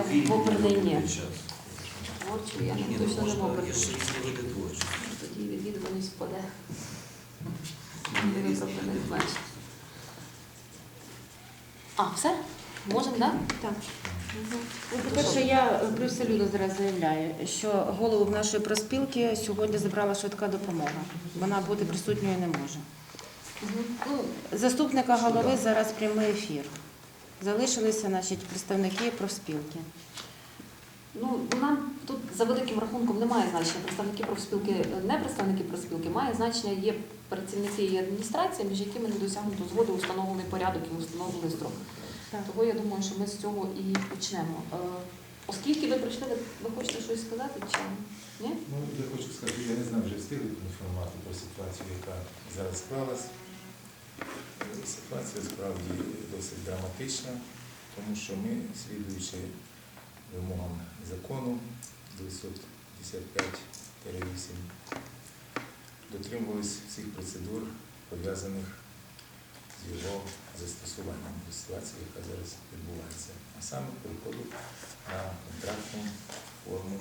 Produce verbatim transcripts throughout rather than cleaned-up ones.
в оперний ні. Творчу я Ні, не ну, точно не можна, в оперний. є ж різні види творчості. Тоді відвідуваність впаде. Ви просто не зменшите. А, все? Можемо, так? Так. Угу. Ну, по-перше, я привселюдно зараз заявляю, що голову нашої проспілки сьогодні забрала швидка допомога. Вона бути присутньою не може. Угу. Ну, Заступника голови зараз прямий ефір. Залишилися, значить, представники профспілки. Ну, нам тут за великим рахунком немає значення представники профспілки, не представники профспілки, має значення є працівники і адміністрація, між якими не досягнуто згоди, установлений порядок і установлений строк. Так. Того я думаю, що ми з цього і почнемо. Е, Оскільки ви прийшли, ви, ви хочете щось сказати чи ні? Ну, я хочу сказати, я не знаю, вже встигли інформувати про ситуацію, яка зараз склалась. Ситуація справді досить драматична, тому що ми, слідуючи вимогам закону дев'ятсот п'ятдесят п'ять вісім, дотримувалися всіх процедур, пов'язаних з його застосуванням до ситуації, яка зараз відбувається. А саме переходу на контрактну форму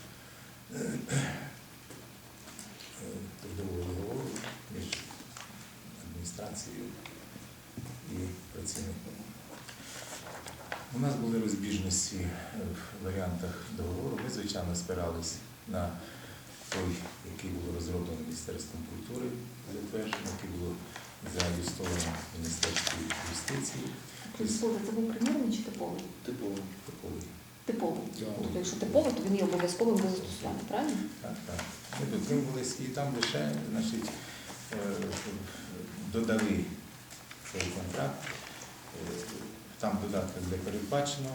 трудового договору між адміністрацією і працівником. У нас були розбіжності в варіантах договору. Ми, звичайно, спирались на той, який було розроблено Міністерством культури, затверджено, який було зареєстровано Міністерством юстиції. Слухайте, це був примірний чи типовий? Типовий. Типовий. Типовий. Тобто, якщо типовий, то він є обов'язковим до застосування, правильно? Так, так. Ми дотримувалися і там лише, значить, додали цей контракт. Там додатком де передбачено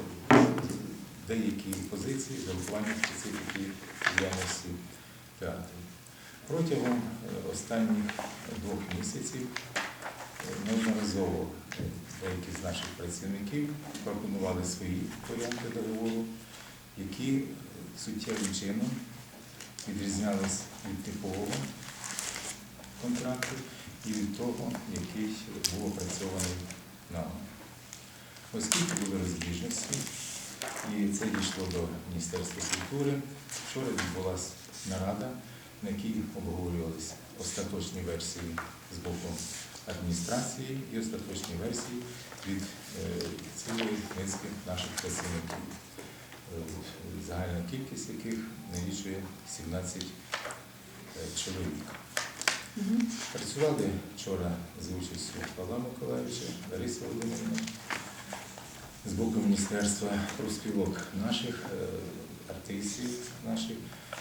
деякі позиції з урахуванням специфіки діяльності театру. Протягом останніх двох місяців неодноразово деякі з наших працівників пропонували свої варіанти договору, які суттєвим чином відрізнялись від типового контракту і від того, який був опрацьований нами. Оскільки були розбіжності, і це дійшло до Міністерства культури, вчора відбулася нарада, на якій обговорювалися остаточні версії з боку адміністрації і остаточні версії від цілої низки наших працівників, загальна кількість яких налічує сімнадцять чоловік. Угу. Працювали вчора з участю Павла Миколаївича, Лариси Володимирівни, з боку Міністерства профспілок наших, артистів наших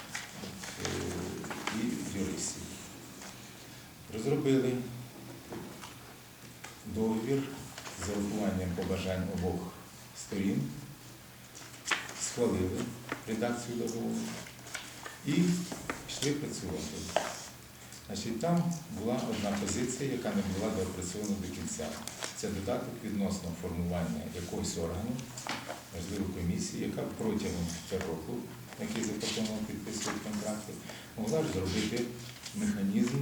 і юристів. Розробили договір з урахуванням побажань обох сторін, схвалили редакцію договору і пішли працювати. Значить, там була одна позиція, яка не була доопрацьована до кінця. Це додаток відносно формування якогось органу, можливо, комісії, яка протягом року, який запропонував підписувати контракти, могла ж зробити механізм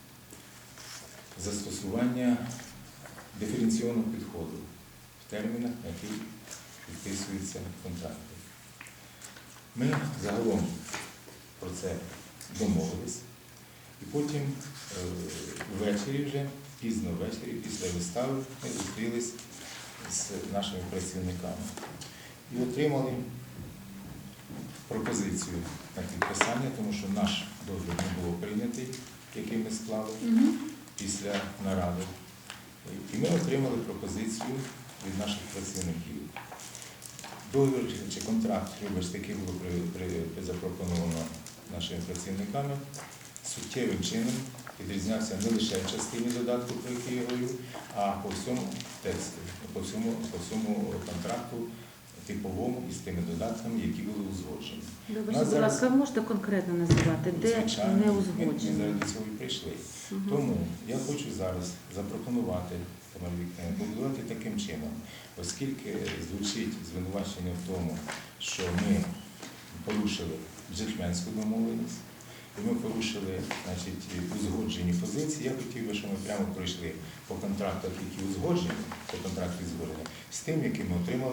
застосування диференційного підходу в термінах, на які підписуються контракти. Ми загалом про це домовились. І потім ввечері вже, пізно ввечері, після вистави, ми зустрілись з нашими працівниками і отримали пропозицію на підписання, тому що наш договір не було прийнятий, який ми склали Угу. після наради. І ми отримали пропозицію від наших працівників. Договір чи контракт, вибачте, який було при, при, запропоновано нашими працівниками, суттєвим чином відрізнявся не лише в частині додатку, про який я говорю, а по всьому тексту, по всьому, по всьому контракту типовому і з тими додатками, які були узгоджені. Вибачте, будь ласка, ви можете конкретно називати, де Звичайно, не ми, узгоджено? ми зараз до цього і прийшли. Угу. Тому я хочу зараз запропонувати, Тамара Вікторівна, побудувати таким чином, оскільки звучить звинувачення в тому, що ми порушили джентльменську домовленість, і ми порушили, значить, узгоджені позиції. Я хотів би, щоб ми прямо пройшли по контрактах, які узгоджені, по контракту узгоджені, з тим, які ми отримали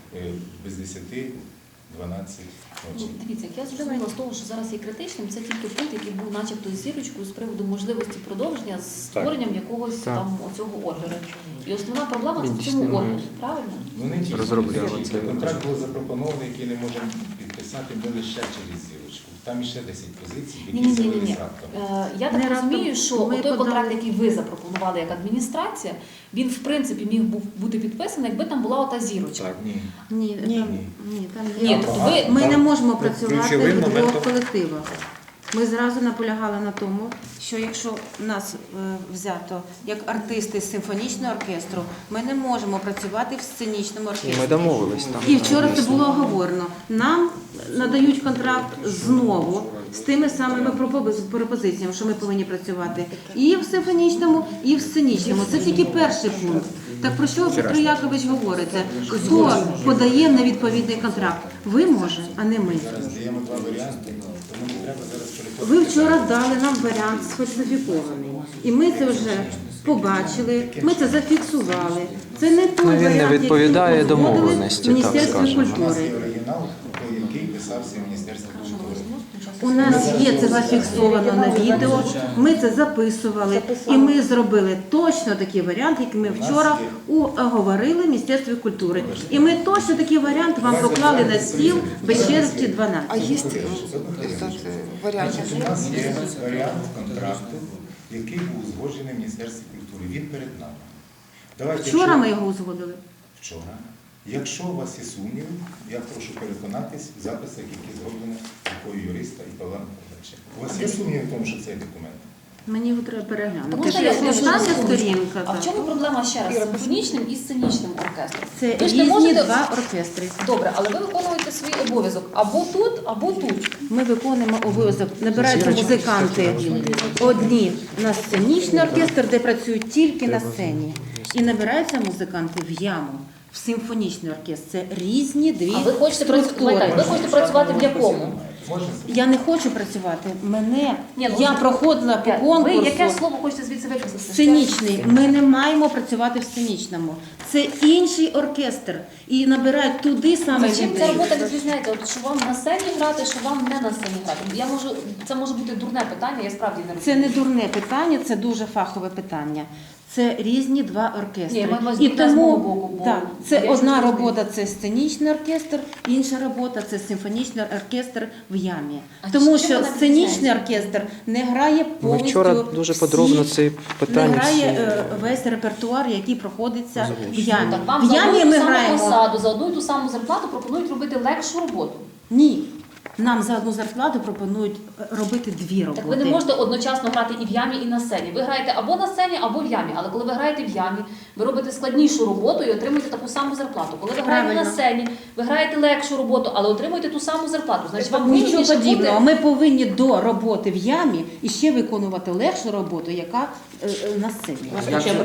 е, без десяти дванадцять Ну, ночі. дивіться, як я зрозуміла з того, що зараз є критичним, це тільки пункт, який був начебто з зірочкою з приводу можливості продовження з створенням якогось Так. там оцього ордеру. І основна проблема це Він в дійсно цьому не ордері, може. правильно? Ну не тільки Розробляли без це. зірочки. Контракт був запропонований, який не можемо підписати, ми лише через зірочку. Там іще десять позицій, Ні, які ні, ні, ні. з'явились раптом. Е, Я так Не раптом. розумію, що Ми той подали- контракт, який ви запропонували як адміністрація, він в принципі міг був бути підписаний, якби там була ота зірочка. Так, ні. Ні, Ні. там, ні, там Ні, є. тобто ви Ми Там не можемо працювати ключовим в двох моментом- колективах. Ми зразу наполягали на тому, що якщо нас е, взято як артисти з симфонічного оркестру, ми не можемо працювати в сценічному І оркестрі. ми домовились там. І вчора це було оговорено. Нам надають контракт знову з тими самими пропози- пропозиціями, що ми повинні працювати і в симфонічному, і в сценічному. Це тільки перший пункт. Так про що Петро Якович говорите? Хто подає невідповідний контракт? Ви може, а не ми. Зараз даємо два варіанти, тому не треба зараз переходити. Ви вчора дали нам варіант сфальсифікований. І ми це вже побачили, ми це зафіксували. Це не той Ну, він не варіант, який відповідає узгодили домовленості, в так Міністерстві скажемо. У нас культури. є оригінал, той, який писався в Міністерстві культури. У нас є це зафіксовано на відео, ми це записували, і ми зробили точно такий варіант, який ми вчора оговорили в Міністерстві культури. І ми точно такий варіант вам поклали на стіл без черзі дванадцять. А есть Одну этот хвилиночку. э, вариант? Значить, у нас є варіант контракту, який був узгоджений в Міністерстві культури. Він перед нами. Давайте, Вчора якщо- ми його узгодили. Вчора. Якщо у вас є сумніви, я прошу переконатись в записах, які зроблені рукою юриста і Павла Миколаївича. У вас є сумніви в тому, що це документ? Мені його треба переглянути. Можна я скажу Остання на секундочку? сторінка. А в так. чому проблема ще раз з симфонічним і сценічним оркестром? Це Ви ж не різні можете- два оркестри. Добре, але ви виконуєте свій обов'язок або тут, або тут. Ми виконуємо обов'язок. Набираються музиканти одні на сценічний оркестр, де працюють тільки на сцені. І набираються музиканти в яму, в симфонічний оркестр. Це різні дві А ви хочете працювати, структури. ви хочете працювати в якому? Можна? Я не хочу працювати. Мене Ні, ну, я ви- проходила по Ви яке конкурсу. слово хочете звідси виписати? Сценічний. Ми не маємо працювати в сценічному. Це інший оркестр. І набирають туди саме Чим ця людей. робота відрізняється? От що вам на сцені грати, що вам не на сцені грати? Я можу, це може бути дурне питання, я справді не Це розумію. не дурне питання, це дуже фахове питання. Це різні два оркестри. Ні, ми маємо І дурне з тому мого боку, бо так, це я одна щось розумію. робота це сценічний оркестр, інша робота це симфонічний оркестр в ямі. А Тому чим що вона сценічний відрізняється? оркестр не грає Ми повністю вчора дуже всі- подробно ці питання не грає всі е, весь репертуар, який проходиться в ямі. Так вам В за одну ямі і ту ми саму граємо. посаду, за одну і ту саму зарплату пропонують робити легшу роботу. Ні. Нам за одну зарплату пропонують е, робити дві роботи. Так ви не можете одночасно грати і в ямі, і на сцені. Ви граєте або на сцені, або в ямі. Але коли ви граєте в ямі, ви робите складнішу роботу і отримуєте таку саму зарплату. Коли ви граєте Правильно. на сцені, ви граєте легшу роботу, але отримуєте ту саму зарплату. Значить, вам Нічого вигідніше подібного. бути- Ми повинні до роботи в ямі і ще виконувати легшу роботу, яка е, е, на сцені. Як це?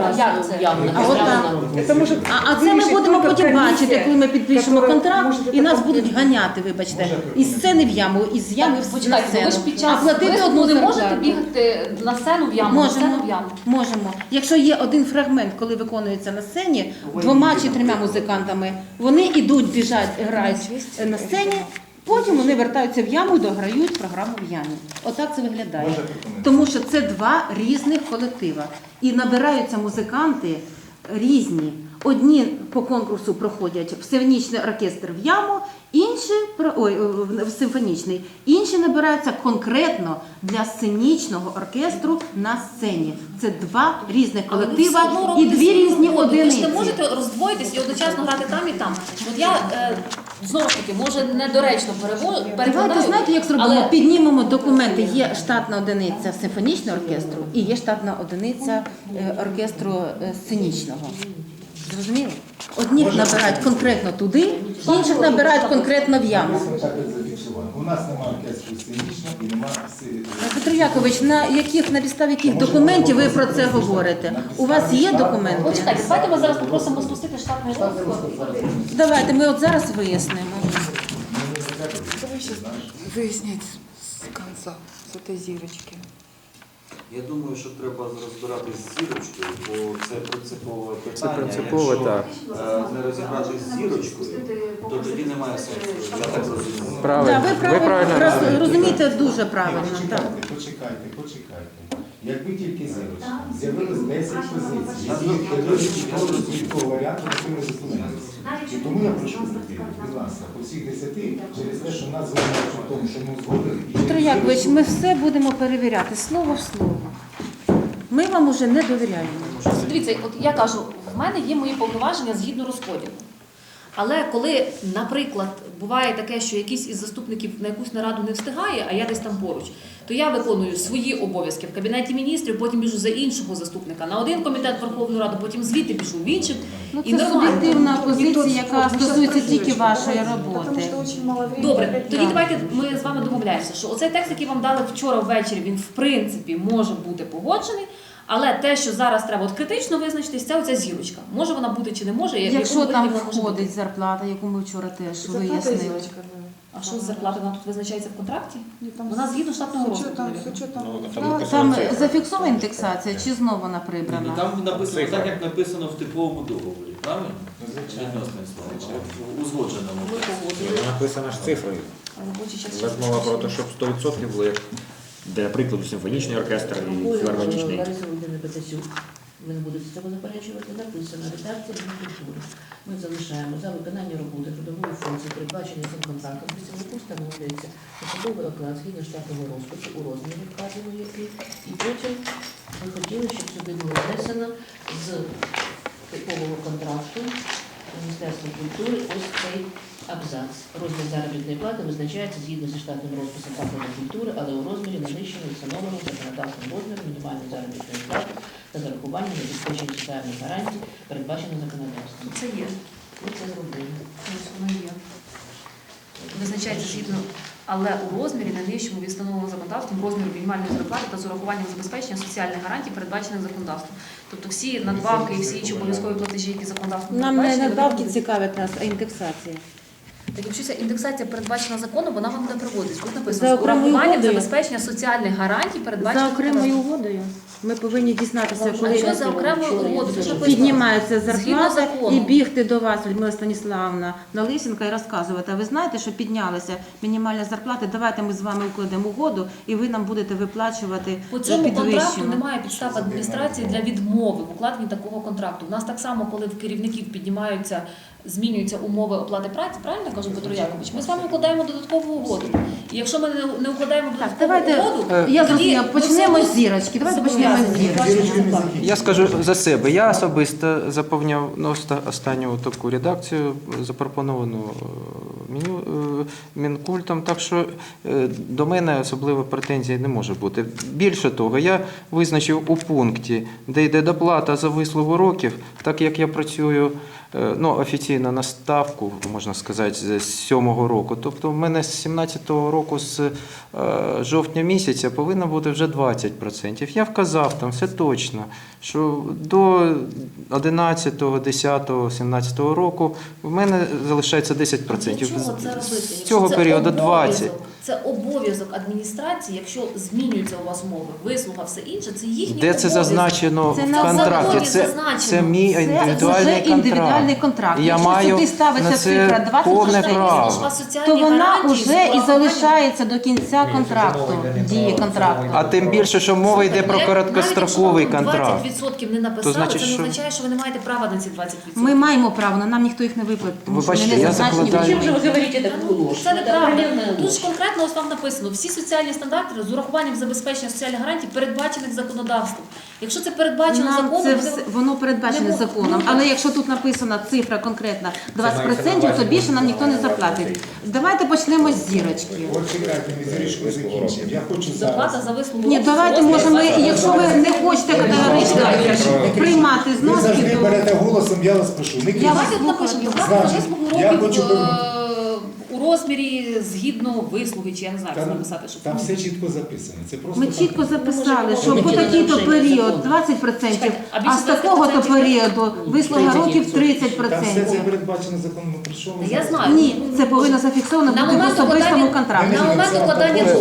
А от так. Это может А, а це ми вирішить будемо только потім комиссия, бачити, коли ми підпишемо которая контракт, может і это нас будуть подтвердить. ганяти, вибачте, із сцени в яму, із ями Так, в на почекайте, ну ви сцену. ж під А час платити виступу одну не можете зарплату. бігати на сцену в яму, на сцену в Можемо, яму. можемо. Якщо є один фрагмент, коли виконується на сцені, двома чи трьома музикантами, вони йдуть, біжать, грають на сцені, потім вони вертаються в яму і дограють програму в ямі. Отак це виглядає. Можна прокоментувати? Тому що це два різних колектива. І набираються музиканти різні. Одні по конкурсу проходять в симфонічний оркестр в яму, інші про- ой, в симфонічний, інші набираються конкретно для сценічного оркестру на сцені. Це два різних Але ви все колектива одно і робите дві свою різні роботу. Ви ж одиниці. не можете роздвоїтись і одночасно грати там і там. От я е, знову ж таки, може недоречно перево- перекладаю. Давайте знаєте, як зробимо? але Піднімемо документи. Є штатна одиниця симфонічного оркестру і є штатна одиниця е, оркестру е, сценічного. Зрозуміли? Одні набирають конкретно туди, інших набирають конкретно в яму. Так і зафіксувано. У нас немає оркестру сценічного і немає Петро Якович, на яких на підставі яких документів ви про це говорите? У вас є документи? почекайте, давайте ми зараз попросимо спустити штатний розклад. Давайте ми от зараз вияснимо. Давай сейчас выяснять с конца, с этой зирочки. Я думаю, що треба розбиратись з зірочкою, бо це принципове Це питання. принципово, Якщо так. е, не розібратись з зірочкою, то тоді немає сенсу. Я так розумію. Правильно. Да, ви Ви правильно, правильно роз- розумієте. розумієте дуже правильно. Ні, Так. Почекайте, почекайте, почекайте. Якби тільки зірочка, з'явилось десять позицій, які вирішують від того варіанту, який ви зупинилися. І тому я прошу таки, будь ласка, по всіх десяти, через те, що нас звинувачують в тому, що ми згодили. і Петро через Якович, те, ми все будемо перевіряти слово в слово. Ми вам уже не довіряємо. Дивіться, от я кажу, в мене є мої повноваження згідно розподілу. Але коли, наприклад, буває таке, що якийсь із заступників на якусь нараду не встигає, а я десь там поруч, то я виконую свої обов'язки в Кабінеті міністрів, потім біжу за іншого заступника на один комітет Верховної Ради, потім звідти біжу в інший. Ну, І це нормально. суб'єктивна позиція, яка стосується тільки вашої роботи. Добре, тоді Так. давайте ми з вами домовляємося, що оцей текст, який вам дали вчора ввечері, він в принципі може бути погоджений, але те, що зараз треба от критично визначитись, це оця зірочка. Може вона бути чи не може, в Якщо якому там вигляді вона може бути. входить зарплата, яку ми вчора теж вияснили. А що з зарплати? Вона тут визначається в контракті? Вона згідно штатного розпису. Там зафіксована індексація чи знову вона Ну, прибрана? там написано так, як написано в типовому договорі, правильно? Ну, звичайно. Відносне слово, в узгодженому. Написано ж цифрою. Робочий час. У вас мова про те, щоб сто відсотків було, як для прикладу, симфонічний оркестр і філармонічний. Лариса Володимирівна Петасюк, ви не будете цього заперечувати, написано редакція Мінкультури. Ми залишаємо за виконання роботи трудової функції, передбаченої цим контрактом, працівнику встановлюється посадовий оклад згідно штатного розпису у розмірі вказаної який. І потім ми хотіли, щоб сюди було внесено з типового контракту Міністерства культури ось цей абзац. Розмір заробітної плати визначається згідно зі штатним розписом закладу культури, але у розмірі найнижчому встановленому законодавством розміру мінімальної заробітної плати та зарахуванням забезпечення соціальних гарантій, передбачено законодавством. Це є. Ми це зробили. Ось воно є. Визначається згідно, але у розмірі найнижчому від встановленого законодавством розміру мінімальної зарплати та з урахуванням забезпечення соціальних гарантій, передбачених законодавством. Тобто всі надбавки і всі інші обов'язкові платежі, які законодавством Нам не передбачені, надбавки вони будуть. цікавить нас, а індексація. Так якщо ця індексація передбачена законом, вона вам не проводиться. Тут За написано з окремою урахуванням угодою. забезпечення соціальних гарантій, передбачених За окремою законодавством. угодою ми повинні дізнатися, А коли що за окремою угодою? Це ж написано. піднімається Згідно зарплата закону. і бігти до вас, Людмила Станіславовна, на Лисенка і розказувати. А ви знаєте, що піднялася мінімальна зарплата, давайте ми з вами укладемо угоду і ви нам будете виплачувати По цьому контракту підвищену. немає підстав адміністрації для відмови в укладенні такого контракту. У нас так само, коли в керівників піднімаються, змінюються умови оплати праці, правильно я кажу, Петро Якович? Ми з вами укладаємо додаткову угоду. І якщо ми не, не укладаємо Так, додаткову давайте, угоду, я тоді зрозуміла, ми почнемо всі з зірочки. Давайте почнемо з зобов'язані. зірочки. Зірочки не закінчимо. Я скажу за себе. Я особисто заповняв ну, оста- останню таку редакцію, запропоновану е, меню е, Мінкультом, так що е, до мене особливо претензій не може бути. Більше того, я визначив у пункті, де йде доплата за вислугу років, так як я працюю е, ну, офіційно на ставку, можна сказати, з сьомого року. Тобто в мене з сімнадцятого року, з е, жовтня місяця, повинно бути вже двадцять відсотків. Я вказав там все точно, що до одинадцятого, десятого, сімнадцятого року в мене залишається десять відсотків. Для чого це робити? З Якщо цього це періоду обов'язок, двадцять. Це обов'язок адміністрації, якщо змінюються у вас умови, вислуга, все інше, це їхній Де це обов'язок. зазначено Це в на контракті? законі Це, зазначено. це мій Це індивідуальний вже індивідуальний контракт. контракт. І я Якщо маю сюди ставиться на це цифра двадцять повне відсотків, право. Ж у вас соціальні то вона гарантії з вже і урахуванням- залишається до кінця контракту, дії контракту. А тим більше, що мова йде про Навіть короткостроковий якщо вам контракт. двадцять відсотків не написали, То значить, це не що- означає, що ви не маєте права на ці двадцять відсотків. Ми маємо право, але нам ніхто їх не виплатить, тому Ви що вони бачите, не я зазначені. в закладаю- Чим же ви говорите Та таку ну, ложь? Це неправда. откровенная Тут ложь. ж конкретно ось вам написано, всі соціальні стандарти з урахуванням забезпечення соціальних гарантій, передбачених законодавством. Якщо це передбачено Нам законом, це буде- все, воно передбачене Не законом, можна. але якщо тут написана цифра конкретна двадцять відсотків, то більше нам ніхто не заплатить. Давайте почнемо з зірочки. От чекайте, ми зірочку закінчимо. Я хочу зарплата зараз. за вислугу. Ні, років давайте розмір може ми, двадцять якщо ви не хочете категорично приймати Ви зноски, завжди то берете голосом, я вас прошу. Не Я кричіть. вас Давайте напишемо, доплата за Значить, вислугу я років хочу е, у розмірі згідно вислуги, чи я не знаю, як це Там, написати, щоб там все чітко записано. Це просто ми так. чітко записали, що Ми по хотіли такий-то нарушення період закону. двадцять відсотків, Чекайте, а а більше з такого-то двадцять відсотків? періоду вислуга років тридцять Там все це відсотків. передбачено законом. Про що ви Я зараз? знаю. Ні, це повинно зафіксовано На бути в момент особистому укладання- контракті. на момент укладання договору.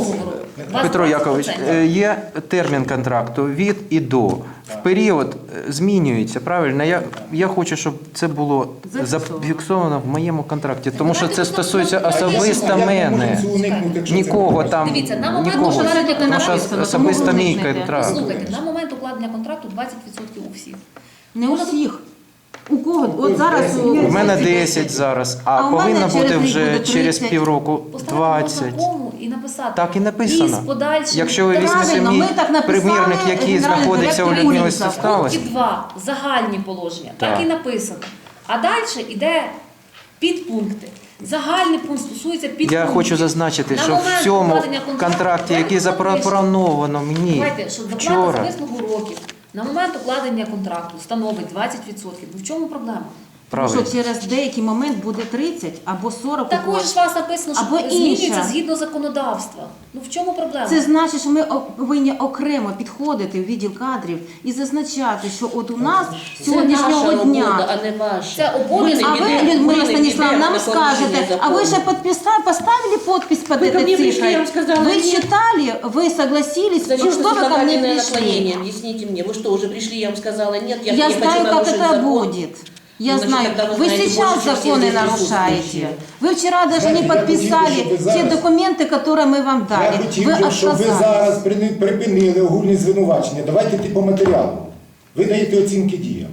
Вас Петро двадцять Якович, процентів. е, є термін контракту від і до. В період е, змінюється, правильно? Я, я хочу, щоб це було Зафіксовано. зафіксовано в моєму контракті, тому що це Давайте стосується тут нам особисто Як ми мене. можемо цього уникнути, якщо це Нікого не там, Дивіться, на момент нікого. укладення Тому що контракту, особисто тому мій уникнете. контракт. Слухайте, на момент укладення контракту двадцять відсотків у всіх. Не у всіх. У кого? От зараз У У мене десять зараз, а, А у мене повинно через бути рік вже буде через тридцять. півроку Поставити двадцять. можна кому і написати. Так і І з написано. подальшим. Якщо ви візьмете Правильно, мій ми так написали, примірник, який генеральний знаходиться у директор Людмили Куліса. В Савсталось, пункті два загальні положення, так. Так. і написано. А далі йде підпункти. Загальний пункт стосується підпунктів. я хочу зазначити, На що момент в цьому укладення контракту контракті, який давайте запропоновано мені Давайте, що доплата за вчора, вислугу років на момент укладення контракту становить двадцять відсотків. Ну в чому проблема? правильно. Що через деякий момент буде тридцять або сорок. у Також когось. ж у вас написано, що Або змінюється інша. згідно законодавства. Ну в чому проблема? Це значить, що ми о- повинні окремо підходити в відділ кадрів і зазначати, що от у нас Це сьогоднішнього наша дня. робота, а не ваша. Це обов'язок. А Ми ви, не Людмила підемо, Станіславовна, не нам підемо на скажете, порушення а вы закону. же подписа- поставили подпись под Вы ко этой мне пришли, цифрой? я вам сказала, Вы нет. читали, вы согласились, Зачем что вы вы ко мне законодательное пришли? наклонение? Объясните мне. Вы что, уже пришли, я вам сказала, нет, я, Я не знаю, хочу как нарушить это закон. будет. Я Ну, значит, знаю, тогда вы вы знаете сейчас больше, чем все законы здесь нарушаете. присутствующие. Вы вчера даже Знаете, не я хотел бы, подписали чтобы вы те зараз- документы, которые мы вам Я дали. хотів Вы би, щоб ви отказались. зараз прини- припинили огульні звинувачення. Давайте йти по матеріалу. Ви даєте оцінки діям.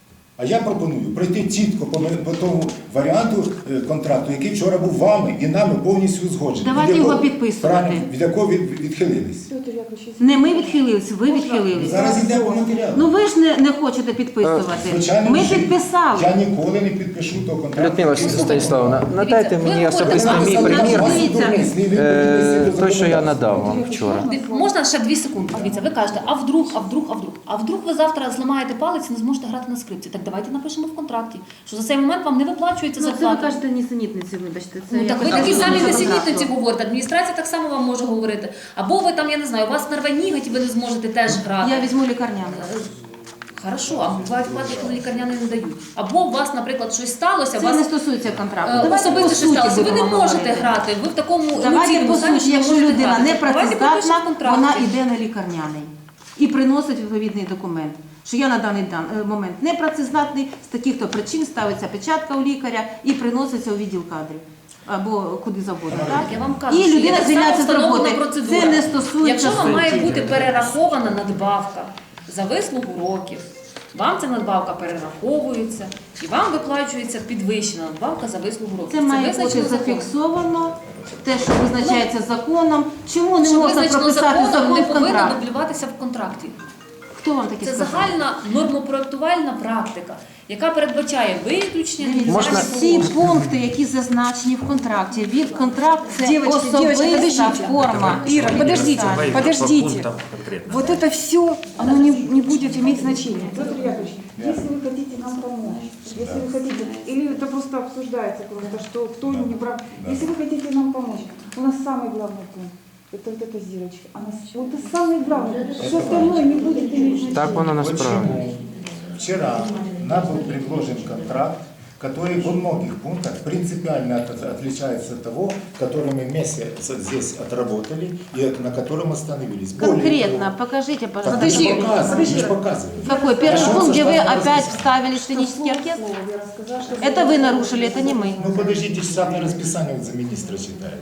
А я пропоную пройти чітко по, по тому варіанту е, контракту, який вчора був вами і нами повністю узгоджений. Давайте Від його якого- підписувати. Правильно, від якого від, відхилились. Не ми відхилились, ви відхилились. Зараз йде по матеріалу. Ну ви ж не, не хочете підписувати. Звичайно, Ми що підписали. Я ніколи не підпишу того контракту. Людмила який- Станіславовна, надайте ви мені говорите, особисто вам мій сказали, примірник, Дивіться. е, той, що я надав вам вчора. Див- Можна ще дві секунди? Дивіться, ви кажете, а вдруг, а вдруг, а вдруг. А вдруг ви завтра зламаєте палець і не зможете грати на скрипці. Так давайте напишемо в контракті, що за цей момент вам не виплачується Ну, це ви зарплата. кажете нісенітниці, вибачте. Це Ну, так ви якось такі не самі дуже несенітниці контракту. говорите. Адміністрація так само вам може говорити. Або ви там, я не знаю, у вас нерве ніготь і ви не зможете теж грати. Я візьму лікарняний. Хорошо, а бувають випадки, коли лікарняни не дають. Або у вас, наприклад, щось сталося, у Це вас не стосується контракту. е, Давайте по особисто щось суті сталося. Ви не будемо можете говорити. грати. Ви в такому Давайте емоційному по стані, суті, що якщо можете людина грати. не Давайте працездатна, пропишемо в контракті. вона йде на лікарняний і приносить відповідний документ, що я на даний дан- е, момент не працездатний, з таких-то причин ставиться печатка у лікаря і приноситься у відділ кадрів. Або куди завгодно. Так, я вам кажу, І що є людина так само звільняється з встановлена роботи. процедура. Це не стосується Якщо вам має суті. бути перерахована надбавка за вислугу років, вам ця надбавка перераховується і вам виплачується підвищена надбавка за вислугу років. Це має бути визначено законом. зафіксовано, те, що визначається законом. Чому не Що можна визначено прописати законом, закон не в повинно контракт? дублюватися в контракті. Хто вам таке Це сказав? загальна нормопроектувальна практика, яка передбачає виключення Дивіться, Можна- всі пункти, які зазначені в контракті. Від контракт це Девочки, девочки, особиста подождите. форма. Ира, подождите, Давай подождите. Вот это все, оно не, не будет иметь значения. Петр Яковлевич, если вы хотите нам помочь, если вы хотите, или это просто обсуждается просто, что кто не прав. Если вы хотите нам помочь, у нас самый главный пункт. Это вот эта зирочка. Она, вот это самый главный. Все остальное не будет иметь значения. Так воно насправді. Почему вчера нам был предложен контракт, который во многих пунктах принципиально от- отличается от того, который мы вместе с- здесь отработали и на котором остановились. Более Конкретно, того, покажите, так пожалуйста. мы же показываем, мы же показываем. Какой? Первый Нашелся пункт, где вы штатный опять расписание. вставили сценический оркестр? Слово я рассказала, что Это вы нарушили, это не мы. Ну подождите, штатное расписание вот за министра читает.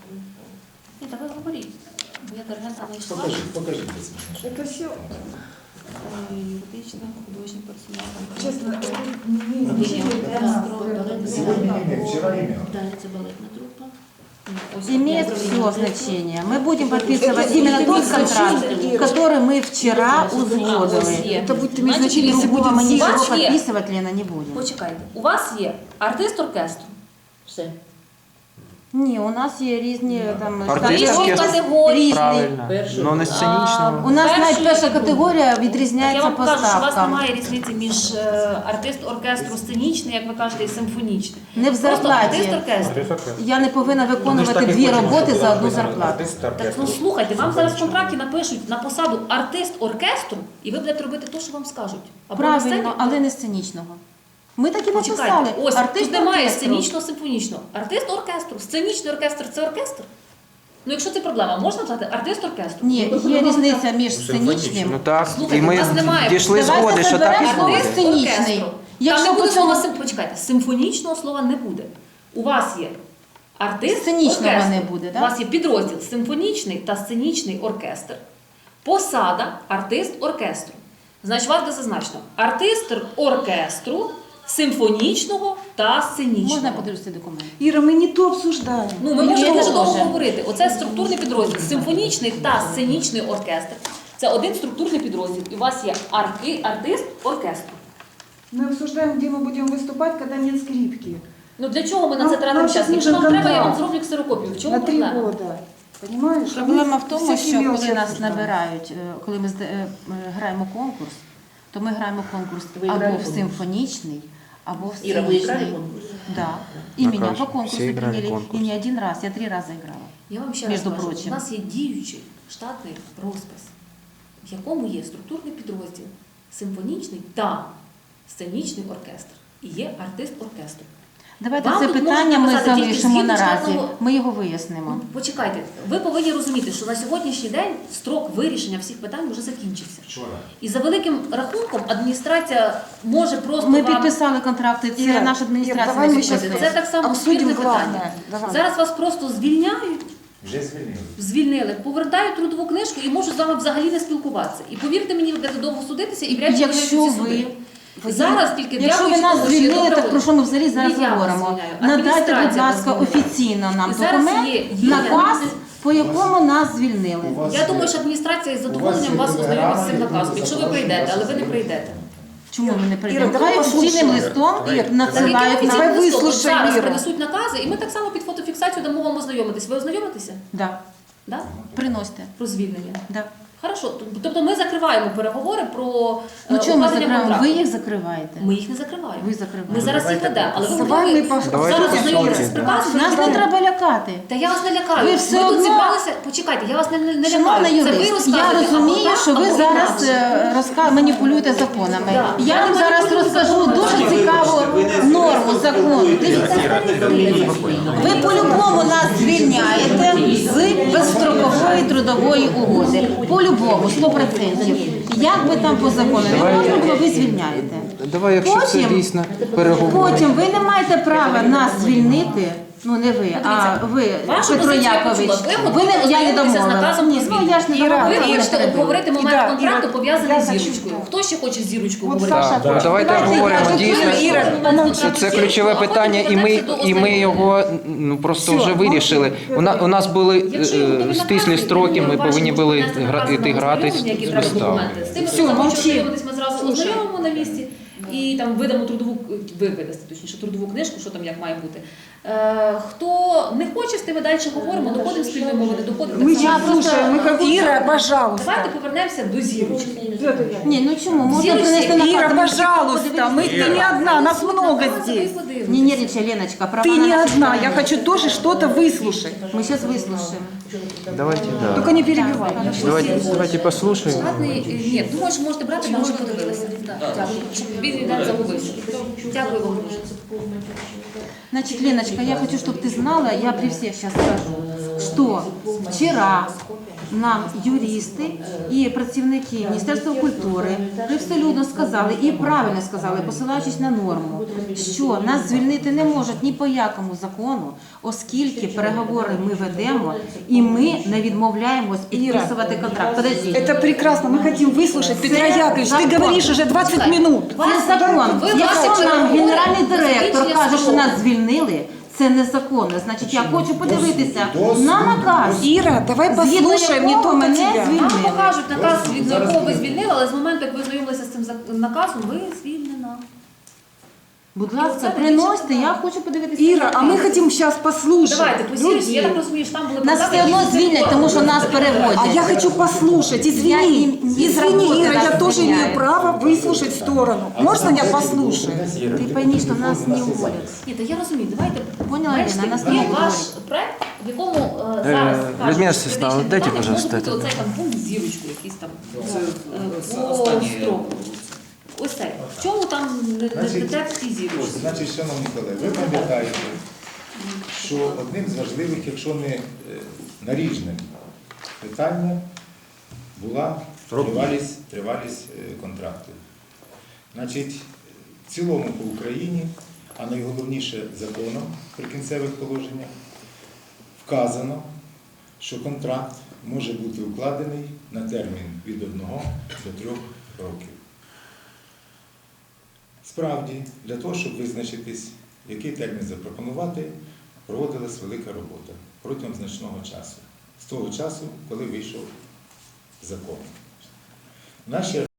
Ні, та ви говоріть. Бо я диригента не йшла. Покажи, покажи. посмотри. это все, Юридична, художня персонал. честно, это не имеет значения для нас. Сегодня не имеет, вчера имел. Далі це балетна трупа. Имеет все значение. Мы будем подписывать именно тот контракт, который мы вчера узгодили. Это будет иметь Значить, значение, если Другого мы будет ничего Вас є. подписывать, Лена, не будем. Почекайте, у вас є артист оркестру. Все. Ні, у нас є різні там Артист штати- Різні оркестр. категорії. Різні. Правильно. Перший. Ну не сценічного. У нас Перший- навіть перша категорія Я відрізняється вам по кажу, що у вас ставкам. немає різниці між е, артист оркестру сценічний, як ви кажете, і симфонічний. Не в Просто артист зарплаті. оркестру. Я не повинна виконувати дві роботи за одну зарплату. Так ну слухайте, вам зараз в контракті напишуть на посаду артист оркестру, і ви будете робити те, що вам скажуть. Або на сцені. Правильно, але не сценічного. Ми так і написали. Почекайте, ось Артист тут немає оркестру. сценічно-симфонічного. Артист оркестру. Сценічний оркестр це оркестр. Ну, якщо це проблема, можна сказати артист оркестру? Ні, є різниця між сценічним. Ну так, Слухайте, і ми у нас немає. дійшли Давайте згоди, що так і заберемо буде. Артист Сценічний. оркестру. Якщо Там не буде по цьому- слова сим... Почекайте, симфонічного слова не буде. У вас є артист Сценічного оркестру. не буде, У так? вас є підрозділ симфонічний та сценічний оркестр. Посада артист оркестру. Значить, варто зазначено, артист оркестру, симфонічного та сценічного. Можна подивитися документ? Ира, мы не то обсуждаем. Ну, ми Ні, можемо не дуже довго може. говорити. Оце структурний підрозділ. Симфонічний та сценічний оркестр. Це один структурний підрозділ. І у вас є арки, артист оркестру. Мы обсуждаем, где мы будем выступать, когда нет скрипки. Ну для чого ми на Ну, це тратимо нам час? щас Якщо вам нужен треба, я вам контракт. зроблю ксерокопію. В чому На три проблема? года. Понимаешь? Проблема Мы в тому, всякие що мелочи коли нас обсуждаем. набирають, е, коли ми зда- е, е, граємо конкурс, то ми граємо конкурс Ви або грали в конкурс? симфонічний, або в Ира, вы играли сценічний. конкурс? Да. И Ну, меня конечно, по конкурсу все играли приняли. конкурс. И не один раз, я три раза играла. Я вам ще Між раз кажу, прочим. у нас є діючий штатний розпис, в якому є структурний підрозділ, симфонічний та сценічний оркестр. І є артист оркестру. Давайте Вам це тут питання можна ми написати тільки залишимо згідно наразі. штатного- Ми його вияснимо. Ну, почекайте, ви повинні розуміти, що на сьогоднішній день строк вирішення всіх питань вже закінчився. Вчора. І за великим рахунком адміністрація може просто Ми вам... підписали контракти, це Іра, наша адміністрація. Іра, давай не ми щас підписує. Це так само Обсудимо спірне главне. питання. Давай. Зараз вас просто звільняють, Вже звільнили. звільнили, повертають трудову книжку і можуть з вами взагалі не спілкуватися. І повірте мені, ви будете довго судитися і вряд чи Якщо виграєте ці ви- суди. Зараз тільки Якщо ви дякуючи нас тому, що є звільнили, добра так про що ми взагалі зараз Не я вас говоримо? звільняю, Надайте, будь адміністрація ласка, вас звільняє. офіційно нам І зараз документ, є- є наказ, адміністра- по якому нас звільнили. У вас Я є- думаю, що адміністрація із у вас задоволенням є вас ознайомить з цим телеграма, наказом, якщо ви прийдете, але ви не прийдете. Чому ми не прийдемо? Іра, давай Давай офіційним послухаємо. листом Ір, Так, надсилають який нам. Давай офіційний листок? От вислухай, зараз Іра. принесуть накази, і ми так само під фотофіксацію дамо вам ознайомитись. Ви ознайомитеся? Да. Да? Приносьте. Про звільнення. Да. Хорошо. Тобто ми закриваємо переговори про Ну е, чому ми укладення закриваємо? контракту. Ви їх закриваєте. Ми їх не закриваємо. Ви закриваєте. Ми зараз їх ведемо, але ви Давай готові ми по- Давайте зараз по ознайомитися суті, з да. приказом. Нас не треба лякати. Та я вас не лякаю. Ви все ми тут одно- зібралися. Почекайте, я вас не, не, не Шановна лякаю. Це ви юрист, розказуєте, я розумію, або що так, ви або зараз інакше. е, розка... маніпулюєте законами. Да. Я Я вам зараз маніпулюю розкажу законами. дуже цікаву норму закону. Дивіться, ви по-любому нас звільняєте з безстрокової трудової угоди. По-любому, сто відсотків. Як би там по закону не можна було, ви звільняєте. Давай, якщо це Потім- дійсно переговори. Потім ви не маєте права нас звільнити. Ну не ви, а ви, Вашу Петро позицію я Якович. почула. Ви Ви не я не ознайомитеся з домовила. наказом Ні, про ну я ж не Іра, домовила. Ви ви не хочете перебили. обговорити момент Іра, контракту, Іра, пов'язаний я з хочу зірочкою. що. Хто ще хоче з зірочкою От говорити? Саша, Так, давайте Давайте, обговоримо давайте, дійсно. Іра, Це, це ключове питання, і ми, і ми його ну, просто вже вирішили. У, на, у нас були Якщо є готові е, накази, стислі я строки, думаю, ми ваші повинні можуть були внести гра, накази іти на гратись ознайомлення, які з треба виставою. документи. З тими, Всё, хто захоче мовчи. ознайомитись, ми зразу Слушай. ознайомимо на місці і там видамо трудову, ви видасте, точніше, трудову книжку, що там як має бути. Е, хто не хоче, з тими далі говоримо, доходимо спільної мови, не доходимо. Мы так само. сейчас слушаем, мы как Ира, пожалуйста. Давайте повернемося до зірочки. Петр Яковлевич. Ні, ну чому? Можна Зірочки, принести наказ. Ира, Ми пожалуйста, мы, ты не одна, нас много здесь. Не нервничай, Леночка. Права Ты на не нашу одна, я сторону. хочу тоже что-то выслушать. Мы сейчас выслушаем. Давайте, да. Только не перебивай. Давайте, давайте послушаємо. Штатний, е, ні, думаю, що можете брати, ми вже подивилися. Так, Дякую, щоб він не загубився. Дякую вам дуже. Значит, Леночка, я хочу, чтобы ты знала, я при всех сейчас скажу, что вчера нам юристи і працівники Міністерства культури привселюдно сказали і правильно сказали, посилаючись на норму, що нас звільнити не можуть ні по якому закону, оскільки переговори ми ведемо і ми не відмовляємось підписувати контракт. Подожди. Это прекрасно, мы хотим выслушать. Петра Яковлевич, ты закон. говоришь уже двадцать минут. Це закон. Ви Якщо бачите, нам переговори, генеральний директор закінчення каже, що строку. нас звільнили, це незаконно. Значить, я хочу подивитися на наказ. Ира, давай Згідно послушаем не якого только мене тебя. звільнили. Нам покажуть наказ, від якого ви звільнили, але з моменту, як ви знайомилися з цим зак- наказом, ви звільнена. Будь ласка, приносьте, я хочу подивитися. Ира, а мы хотим сейчас послушать. Давайте, посірюсь, я так людей. розумію, що там були Нас все одно звільнять, тому що нас переводять. А я хочу послушать, Я извини, им не извини, работаю, Ира, я нас тоже звільняють. имею право выслушать сторону. Можно я послушаю? Ти пойми, що нас не уволять. Ні, та я розумію, давайте. Поняла, Бачите, Ірина, нас є не ваш уволять. проект, в якому е, Е, зараз Людмила кажуть, Стеславовна, юридичні дайте, питання пожалуйста, можуть бути это. оцей там пункт з зірочкою, якийсь там е, по Останнє. строку. Ось це. В чому там не, не Значить, текст і зірочки? Значить, шановні колеги, ви пам'ятаєте, що одним з важливих, якщо не е, наріжне питання була тривалість, тривалість е, контракту. Значить, в цілому по Україні, а найголовніше законом при кінцевих положеннях, вказано, що контракт може бути укладений на термін від одного до трьох років. Справді, для того, щоб визначитись, який термін запропонувати, проводилась велика робота протягом значного часу. З того часу, коли вийшов закон. Наші